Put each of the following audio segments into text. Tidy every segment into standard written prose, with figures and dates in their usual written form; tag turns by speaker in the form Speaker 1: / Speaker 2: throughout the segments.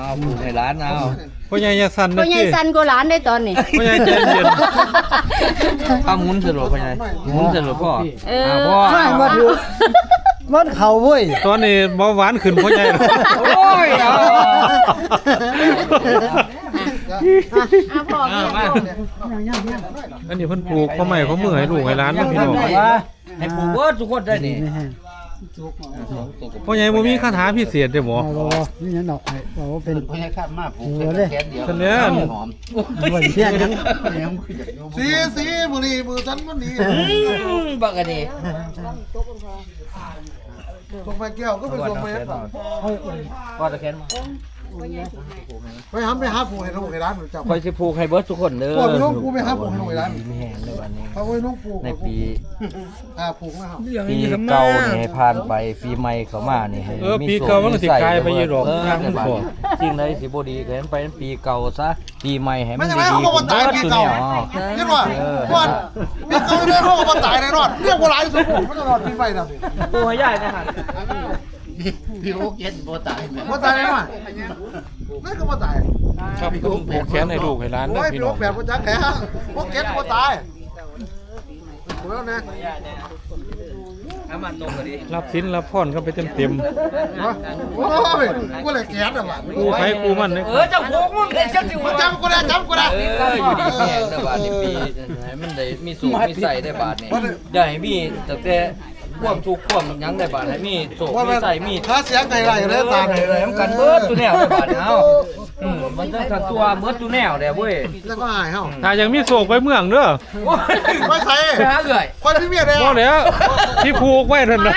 Speaker 1: ผูกให้ร้านเอา
Speaker 2: พ่อใหญ่อย่าสั่น
Speaker 3: พ่
Speaker 2: นะ
Speaker 3: อใหญ่
Speaker 2: พี่
Speaker 3: สั่นกว่าหลานได้ตอนนี้
Speaker 2: พ่อใหญ่ใจเย็น
Speaker 1: ข้ามุนสรุปพ่อใหญ่มุนสรุปพ่อ พ่อ
Speaker 4: ไม่มาดูมันเข่าเว้ย
Speaker 2: ตอนนี้เบาหวานขึ้นพ่อใหญ่
Speaker 1: โอ้ยเอา
Speaker 3: พ่อเมีย
Speaker 2: อันนี้เพิ่นปลูกข้าวใหม่ข้าวมือให้ลูกให้ร้านพี่น้อง
Speaker 1: ให้ผูกเบิดทุกคนได้นี่
Speaker 2: พ่อใหญ่บ่มีคาถาพิเศษเด้อบ่
Speaker 4: นี่ยันดอกบอกว่าเป็น
Speaker 1: พ่อใหญ่คาดมาผูก
Speaker 2: คันเนี้ย
Speaker 1: หอม
Speaker 4: เพี้ยนยัง
Speaker 5: สีบุรีมือฉันมันดี
Speaker 1: บักอันนี้
Speaker 5: ส่งไปแก้วก็เป็นส่งไป
Speaker 1: พ่อตะแคนมา
Speaker 5: ไปหาผู้ให้ลูกให้ร้านหนูจับ
Speaker 1: คอยสิผูกให้เบิดทุกคนเด้อ
Speaker 5: พ่อไปน้องผู้ไปหาผู้ให้ลูกให้ร้าน
Speaker 1: มีแห้งในวันนี้
Speaker 5: เขาไปน้องผู้
Speaker 1: ในปี
Speaker 5: ผูกนะครับ
Speaker 1: ปีเก่านี่ให้ผ่านไปปีใหม่เข้ามานี่ให้
Speaker 2: ปีเก่ามันก็สิกลายไปอยู่ดอกทางมันบ่
Speaker 1: จริงเลยสิบ่ดีก็ให้ไปปีเก่าซะปีใหม่ให้มั
Speaker 5: ไม่
Speaker 1: น
Speaker 5: ใช่
Speaker 1: ดี
Speaker 5: ไหมเขาก็ตายปีเก่าเห็นว่าว่าปีเก่าได้เขาก็ตายในรอดเรียกว่าหลายสมบูรณ์ไม่ต้องรอดปีใหม่นะ
Speaker 1: ปูให้ใหญ่นะฮะ
Speaker 5: ว่าตายได้ไหมไม่ก็ว่าตาย
Speaker 2: ครับปลูกแขนให้ลูกให้ร้านเด้
Speaker 5: โอ้
Speaker 2: อย พี่
Speaker 5: ปี
Speaker 2: น้อง
Speaker 5: แบบว่าจักแค่พวกเก็ตว่าตายถูกแล้วนะ
Speaker 1: ถ้ามันตรงก็ดี
Speaker 2: รับสินรับพรกันไปเต็ม
Speaker 5: โอ้ยกูเลยแก๊สอ่ะว่ะ
Speaker 2: ๆกูไผกูมันเนี่ย
Speaker 1: เจ้าผูกมึงเด็ดจังสิวะ
Speaker 5: จำกูได้
Speaker 1: อยู่ดีแม่งแต่บาทในปีให้มันได้มีสูงมีใส่ได้บาทนี่อย่าให้มีตั้งแต่ความทุกข์ความหยังได้บาทให้มีสูงมีใส่มี
Speaker 5: ถ้าเสียงไก่ไรเลยตา
Speaker 1: ไหนเลยมันกันเบิดตัวแนวได้บาทเฮามันต้องกันตัวเบิดตัวแนวเด้เว้ย
Speaker 5: แล้วก็หายเฮา
Speaker 2: ถ้ายังมีโศกไปเมืองเด้อ
Speaker 5: ไม่ใช่
Speaker 1: ไปหาเอื่อย
Speaker 5: คนพี่เมียแดง
Speaker 2: บ่แล้วที่ผูกไว้นั่นน่ะ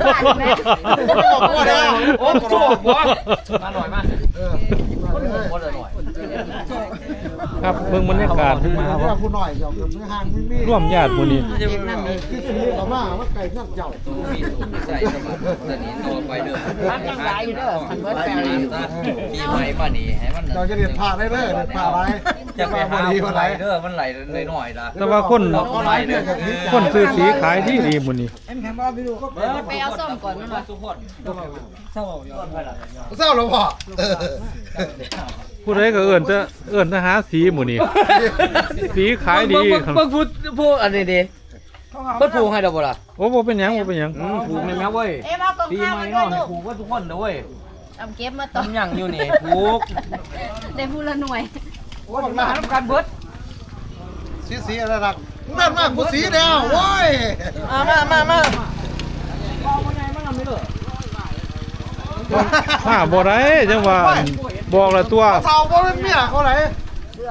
Speaker 1: โอ้โหบ่มาหน่อยมาบ่ได้หน่อย
Speaker 2: ครับเบิ่งบรรยากาศ
Speaker 5: ผู้หน่อยเจ้าไม่ห่างไม่มี
Speaker 2: ร่วมญาติหมู่นี้
Speaker 5: ที่ซื้อเรามาว่าไก่นั่งเจ้า
Speaker 1: มีสูงมีใส่สมัครตอนนี้ตัวไปเด้อปีใหม่มานี่ให้มัน
Speaker 5: เราจะเรียนผ่าได้เลยเรียนผ่าอะไร
Speaker 1: จะไปหาไหลเด้อมันไหลหน่อยๆล่ะ
Speaker 2: แต่ว่าคน
Speaker 1: ไหลเด้อ
Speaker 2: คนซื้อสีขายที่ดีหมู่นี้
Speaker 3: ไปเอาส้มก่อนมันว่า
Speaker 1: ทุกคน
Speaker 5: เศร้าหรอพ่อ
Speaker 2: ผู้ใดก็เอิ้นจะหาสีหมู่นี้สีขายดี
Speaker 1: เบิ่งพูดอันนี้ดิเพิ่นผูกให้ดอกบ่ล่ะ
Speaker 2: โอ้บ่เป็นหยังบ่เป็นหยัง
Speaker 1: ผูกแม่นแม่เว้ย
Speaker 3: เอ๊ะเอากอง
Speaker 1: ปี
Speaker 3: ข้าว
Speaker 1: ใหม่
Speaker 3: มาด้ว
Speaker 1: เนาะ
Speaker 3: ยลูก
Speaker 1: ผูกว่าทุกคนเด้อเว้ย
Speaker 3: เอาเก็บมาต่อ
Speaker 1: ทำหยังอยู่นี่ผูก
Speaker 3: ได้พูละหน่วย
Speaker 1: ว่ามาหากันเบิด
Speaker 5: สีอะไรรักนั่นมากกูสีแดงโว้ย
Speaker 2: มาบ่ได้จังว่าบอกละตัว
Speaker 5: เศร้าเพราะเป็นเมียเขาไหน